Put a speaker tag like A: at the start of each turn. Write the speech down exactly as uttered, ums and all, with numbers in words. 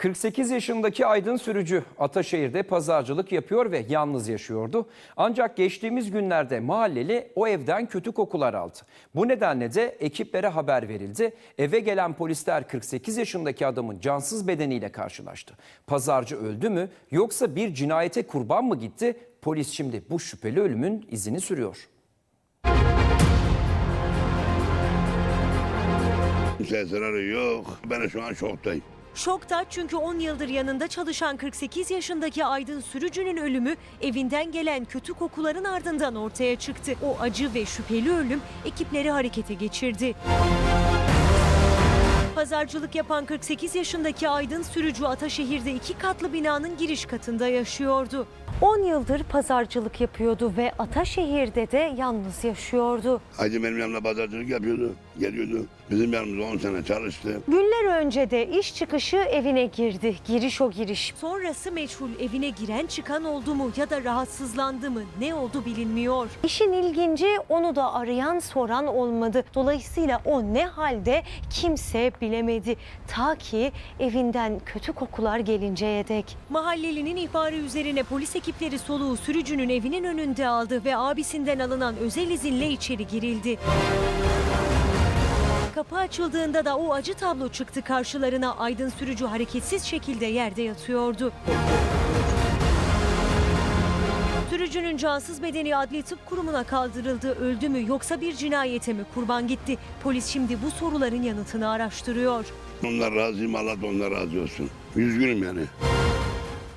A: kırk sekiz yaşındaki Aydın Sürücü Ataşehir'de pazarcılık yapıyor ve yalnız yaşıyordu. Ancak geçtiğimiz günlerde mahalleli o evden kötü kokular aldı. Bu nedenle de ekiplere haber verildi. Eve gelen polisler kırk sekiz yaşındaki adamın cansız bedeniyle karşılaştı. Pazarcı öldü mü yoksa bir cinayete kurban mı gitti? Polis şimdi bu şüpheli ölümün izini sürüyor.
B: Kimseye zararı yok. Ben şu an şoktayım.
C: Şokta çünkü on yıldır yanında çalışan kırk sekiz yaşındaki Aydın Sürücü'nün ölümü evinden gelen kötü kokuların ardından ortaya çıktı. O acı ve şüpheli ölüm ekipleri harekete geçirdi. Pazarcılık yapan kırk sekiz yaşındaki Aydın Sürücü Ataşehir'de iki katlı binanın giriş katında yaşıyordu. on yıldır pazarcılık yapıyordu ve Ataşehir'de de yalnız yaşıyordu.
B: Hacı benim yanımda pazarcılık yapıyordu. Geliyordu. Bizim yanımızda on sene çalıştı.
C: Günler önce de iş çıkışı evine girdi. Giriş o giriş. Sonrası meçhul, evine giren çıkan oldu mu ya da rahatsızlandı mı, ne oldu bilinmiyor. İşin ilginci, onu da arayan soran olmadı. Dolayısıyla o ne halde kimse bilemedi. Ta ki evinden kötü kokular gelinceye dek. Mahallelinin ihbarı üzerine polis ekipleri soluğu sürücünün evinin önünde aldı ve abisinden alınan özel izinle içeri girildi. Kapı açıldığında da o acı tablo çıktı karşılarına. Aydın Sürücü hareketsiz şekilde yerde yatıyordu. Sürücünün cansız bedeni Adli Tıp Kurumu'na kaldırıldı. Öldü mü yoksa bir cinayete mi kurban gitti? Polis şimdi bu soruların yanıtını araştırıyor.
B: Onlar razıyım, Allah da onlar razı olsun. Üzgünüm yani.